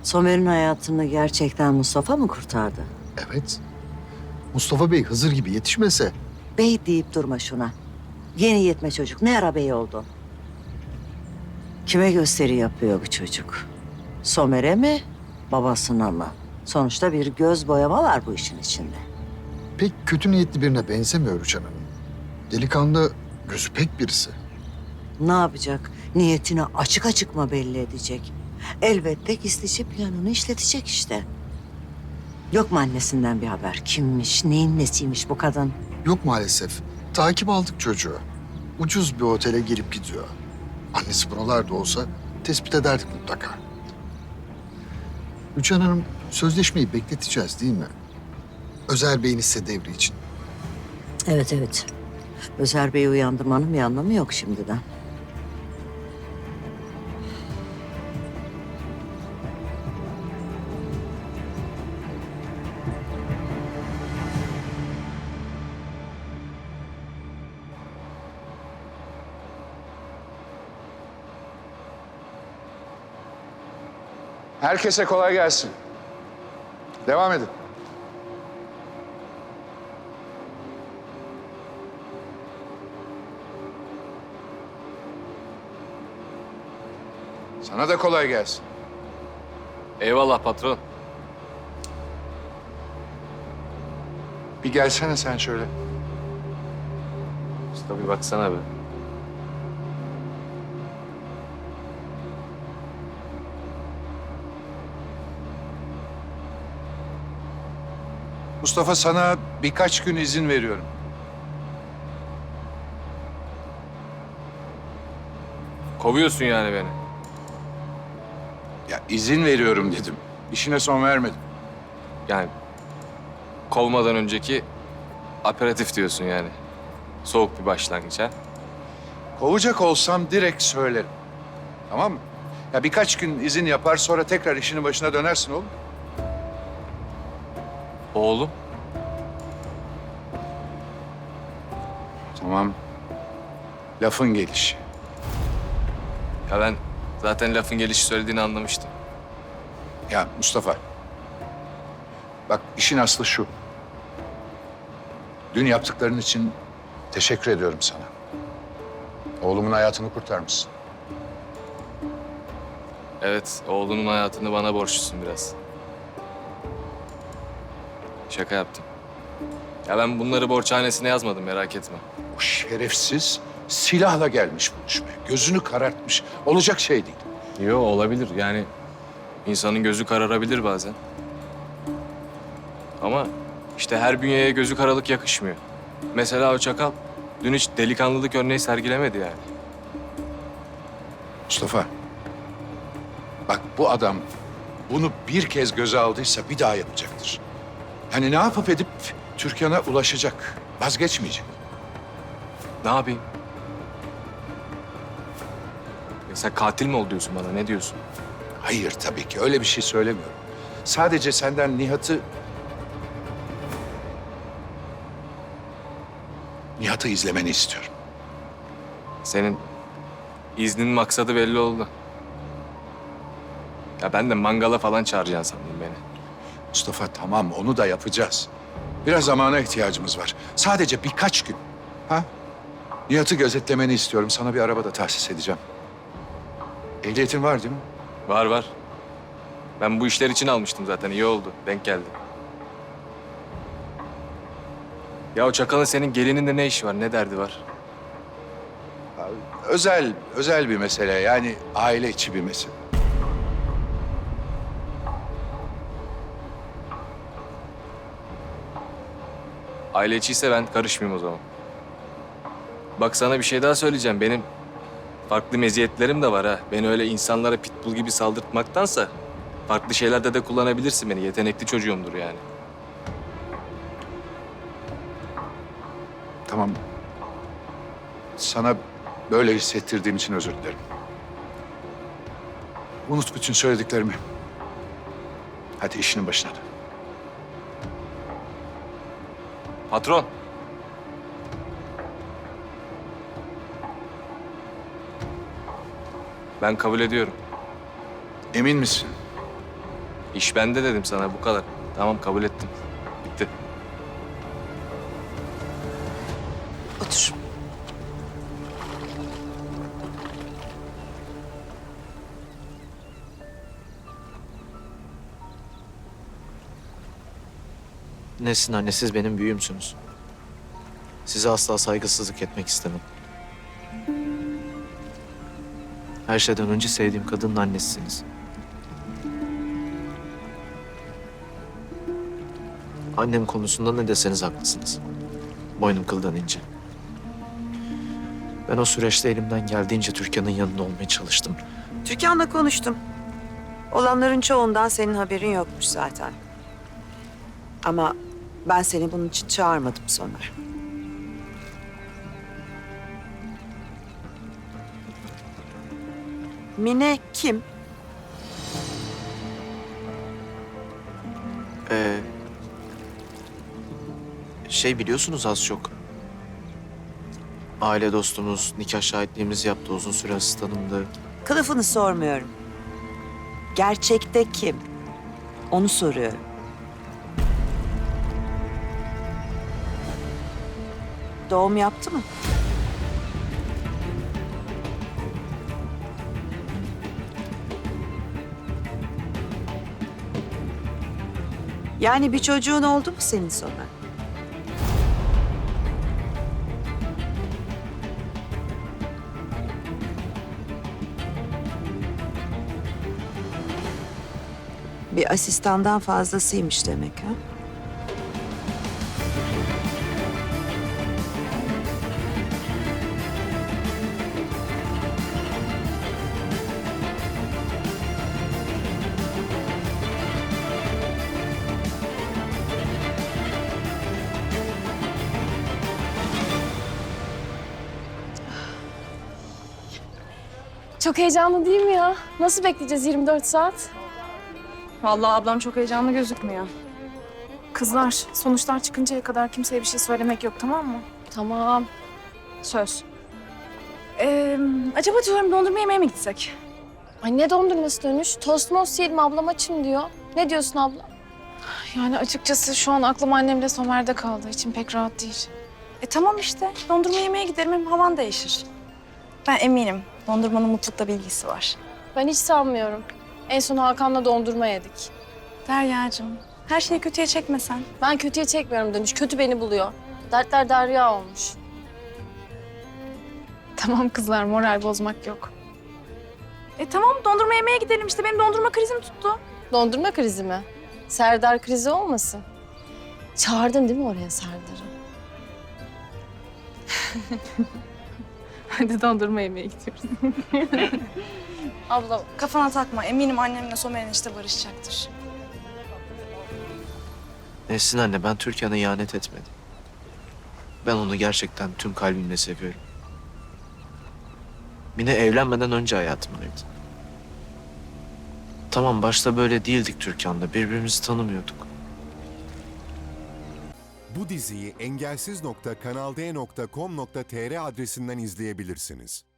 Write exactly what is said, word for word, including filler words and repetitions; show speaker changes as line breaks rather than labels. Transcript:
Somer'in hayatını gerçekten Mustafa mı kurtardı?
Evet. Mustafa Bey Hızır gibi yetişmese
Bey deyip durma şuna. Yeni yetme çocuk. Ne ara bey oldu? Kime gösteri yapıyor bu çocuk? Somer'e mi, babasına mı? Sonuçta bir göz boyama var bu işin içinde.
pek kötü niyetli birine benzemiyor Rüçhan Hanım. Delikanlı, gözü pek birisi.
Ne yapacak? Niyetini açık açık mı belli edecek? Elbette gizlice planını işletecek işte. Yok mu annesinden bir haber? Kimmiş, neyin nesiymiş bu kadın?
Yok maalesef. Takip aldık çocuğu. Ucuz bir otele gelip gidiyor. Annesi buralarda olsa tespit ederdik mutlaka. Rüçhan Hanım, sözleşmeyi bekleteceğiz değil mi? Özer Bey'in hisse devri için.
Evet, evet. Özer Bey'i uyandırmanın bir anlamı yok şimdiden.
Herkese kolay gelsin. Devam edin. Sana da kolay gelsin.
Eyvallah patron.
Bir gelsene sen şöyle.
Usta bir baksana be.
Mustafa, sana birkaç gün izin veriyorum.
Kovuyorsun yani beni.
Ya izin veriyorum dedim. İşine son vermedim.
Yani kovmadan önceki aperatif diyorsun yani. Soğuk bir başlangıç ha.
Kovacak olsam direkt söylerim. Tamam mı? Ya birkaç gün izin yapar, sonra tekrar işinin başına dönersin oğlum.
Oğlum.
Tamam. Lafın gelişi.
Ya ben zaten lafın gelişi söylediğini anlamıştım.
Ya Mustafa, bak işin aslı şu. Dün yaptıkların için teşekkür ediyorum sana. Oğlumun hayatını kurtarmışsın.
Evet, oğlunun hayatını bana borçlusun biraz. Şaka yaptım. Ya ben bunları borçhanesine yazmadım, merak etme.
O şerefsiz silahla gelmiş buluşmaya. Gözünü karartmış. Olacak şey değil.
Yo, olabilir yani. İnsanın gözü kararabilir bazen. Ama işte her bünyeye gözü karalık yakışmıyor. Mesela o çakal dün hiç delikanlılık örneği sergilemedi yani.
Mustafa, bak bu adam bunu bir kez göze aldıysa bir daha yapacaktır. Yani ne yapıp edip Türkan'a ulaşacak, vazgeçmeyecek.
Ne yapayım? Ya sen katil mi ol diyorsun bana, ne diyorsun?
Hayır, tabii ki öyle bir şey söylemiyorum. Sadece senden Nihat'ı... Nihat'ı izlemeni istiyorum.
Senin iznin maksadı belli oldu. Ya ben de mangala falan çağıracaksın sandım beni.
Mustafa, tamam, onu da yapacağız. Biraz zamana ihtiyacımız var. Sadece birkaç gün. Ha? Nihat'ı gözetlemeni istiyorum. Sana bir araba da tahsis edeceğim. Ehliyetin var değil mi?
Var var. Ben bu işler için almıştım zaten, iyi oldu. Denk geldi. Ya o çakalın senin gelininde ne işi var, ne derdi var?
Özel, özel bir mesele. Yani aile içi bir mesele.
Aile içiyse ben karışmayayım o zaman. Bak sana bir şey daha söyleyeceğim. Benim farklı meziyetlerim de var ha. Beni öyle insanlara pitbull gibi saldırtmaktansa farklı şeylerde de kullanabilirsin beni. Yetenekli çocuğumdur yani.
Tamam. Sana böyle hissettirdiğim için özür dilerim. Unut bütün söylediklerimi. Hadi işinin başına dön.
Patron. Ben kabul ediyorum.
Emin misin?
İş bende dedim sana, bu kadar. Tamam, kabul ettim. Bitti.
Otur.
Nesin anne, siz benim büyüğümsünüz. Size asla saygısızlık etmek istemem. Her şeyden önce sevdiğim kadının annesisiniz. Annem konusunda ne deseniz haklısınız. Boynum kıldan ince. Ben o süreçte elimden geldiğince Türkan'ın yanında olmaya çalıştım.
Türkan'la konuştum. Olanların çoğundan senin haberin yokmuş zaten. Ama ben seni bunun için çağırmadım Somer. Mine kim?
Ee, şey biliyorsunuz az çok. Aile dostumuz, nikah şahitliğimizi yaptı, uzun süre asistanımdı.
Kılıfını sormuyorum. Gerçekte kim? Onu soruyorum. Doğum yaptı mı? Yani bir çocuğun oldu mu senin Somer? Bir asistandan fazlasıymış demek ha?
Çok heyecanlı değil mi ya? Nasıl bekleyeceğiz yirmi dört saat?
Vallahi ablam çok heyecanlı gözükmüyor. Kızlar, sonuçlar çıkıncaya kadar kimseye bir şey söylemek yok, tamam mı?
Tamam.
Söz. Ee, acaba diyorum dondurma yemeye mi gitsek?
Ay ne dondurması dönüş? Tost most yiyelim, ablam açım diyor. Ne diyorsun abla?
Yani açıkçası şu an aklım annemle Somer'de kaldı. İçim pek rahat değil. E tamam işte. Dondurma yemeye gidelim, hem havan değişir. Ben eminim dondurmanın mutlulukla bilgisi var.
Ben hiç sanmıyorum. En son Hakan'la dondurma yedik.
Derya'cığım, her şeyi kötüye çekmesen.
Ben kötüye çekmiyorum dönüş. Kötü beni buluyor. Dertler derya olmuş.
Tamam kızlar, moral bozmak yok. E tamam, dondurma yemeye gidelim işte. Benim dondurma krizim tuttu.
Dondurma krizi mi? Serdar krizi olmasın? Çağırdın değil mi oraya Serdar'ı?
Hadi dondurma yemeye gidiyoruz. Abla kafana takma. Eminim annemle Somer'in işte barışacaktır.
Nesin anne, ben Türkan'a ihanet etmedim. Ben onu gerçekten tüm kalbimle seviyorum. Mine evlenmeden önce hayatımdaydı. Tamam, başta böyle değildik Türkan'la. Birbirimizi tanımıyorduk.
Bu diziyi engelsiz nokta kanalde nokta com nokta tr adresinden izleyebilirsiniz.